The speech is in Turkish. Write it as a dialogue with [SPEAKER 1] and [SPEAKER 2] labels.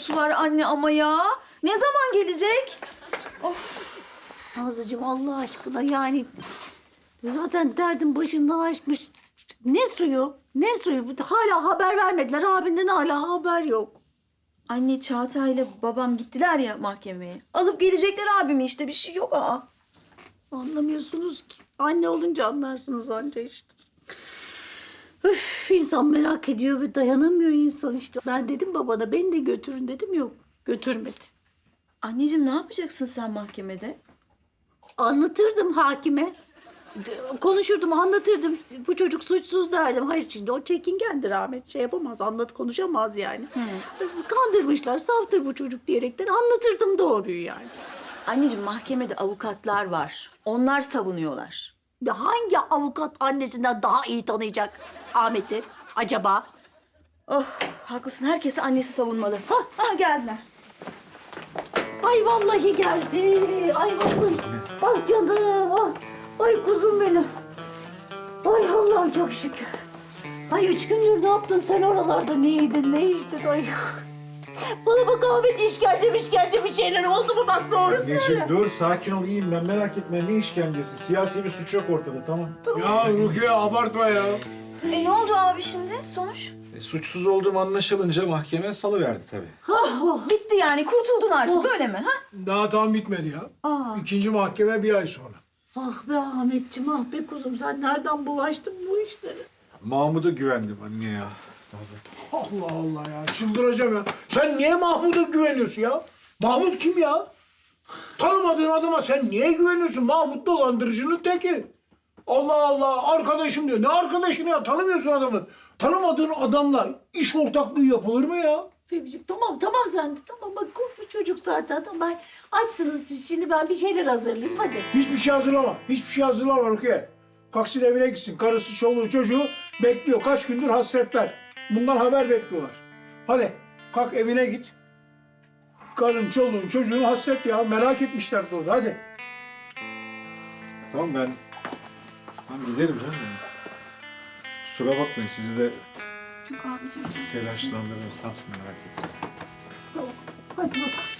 [SPEAKER 1] kokusu var anne ama ya. Ne zaman gelecek?
[SPEAKER 2] Nazlıcığım Allah aşkına yani zaten derdin başından aşmış. Ne suyu? Ne suyu? Hala haber vermediler. Abinden hala haber yok.
[SPEAKER 1] Anne Çağatay'la babam gittiler ya mahkemeye. Alıp gelecekler abimi işte bir şey yok aa.
[SPEAKER 2] Anlamıyorsunuz ki. Anne olunca anlarsınız anca işte. Üf, insan merak ediyor ve dayanamıyor insan işte. Ben dedim babana beni de götürün dedim yok. Götürmedi.
[SPEAKER 1] Anneciğim ne yapacaksın sen mahkemede?
[SPEAKER 2] Anlatırdım hakime. Konuşurdum, anlatırdım. Bu çocuk suçsuz derdim. Hayır şimdi o çekingendir Ahmet. Şey yapamaz, konuşamaz yani. Kandırmışlar, saftır bu çocuk diyerekten anlatırdım doğruyu yani.
[SPEAKER 1] Anneciğim mahkemede avukatlar var. Onlar savunuyorlar.
[SPEAKER 2] Ya hangi avukat annesinden daha iyi tanıyacak Ahmet'i acaba?
[SPEAKER 1] Oh haklısın herkesi annesi savunmalı. Hah geldiler.
[SPEAKER 2] Ay vallahi geldi. Ay vallahi. Ay canım. Ay, ay kuzum benim. Ay Allah'ım çok şükür. Ay 3 gündür ne yaptın sen oralarda? Ne yedin, ne içtin? Ay. Bana bak Ahmet işkence bir şeyler oldu mu? Bak doğru söyle.
[SPEAKER 3] Anneciğim dur sakin ol iyiyim ben merak etme ne işkencesi. Siyasi bir suç yok ortada tamam.
[SPEAKER 4] Ya Rukiye abartma ya.
[SPEAKER 1] Ne oldu abi şimdi sonuç?
[SPEAKER 3] Suçsuz olduğum anlaşılınca mahkeme salıverdi tabii.
[SPEAKER 1] Bitti yani kurtuldun artık öyle mi? Ha?
[SPEAKER 4] Daha tam bitmedi ya.
[SPEAKER 1] Aa.
[SPEAKER 4] İkinci mahkeme bir ay sonra.
[SPEAKER 2] Ah be Ahmetciğim, ah be kuzum. Sen nereden bulaştın bu işlere?
[SPEAKER 3] Mahmut'a güvendim anne ya. Nazlı.
[SPEAKER 4] Allah Allah ya çıldıracağım ya. Sen niye Mahmut'a güveniyorsun ya? Mahmut kim ya? Tanımadığın adama sen niye güveniyorsun? Mahmut dolandırıcının teki. Allah Allah arkadaşım diyor. Ne arkadaşını ya? Tanımıyorsun adamı. Tanımadığın adamla iş ortaklığı yapılır mı ya?
[SPEAKER 2] Fehmiciğim tamam sen de tamam bak korkma çocuk zaten tamam ben açsınız siz şimdi ben bir şeyler hazırlayayım hadi.
[SPEAKER 4] Hiçbir şey hazırlama. Hiçbir şey hazırlama Rukiye. Kalksın evine gitsin. Karısı, çoluğu, çocuğu bekliyor. Kaç gündür hasretler. Bundan haber bekliyorlar. Hadi kalk evine git. Karın, çoluğun, çocuğun hasret ya. Merak etmişler orada. Hadi.
[SPEAKER 3] Tamam ben giderim canım. Kusura bakmayın sizi de
[SPEAKER 1] Yok abicim.
[SPEAKER 3] telaşlandırdınız. Tam seni merak ettim.
[SPEAKER 2] Tamam hadi bak.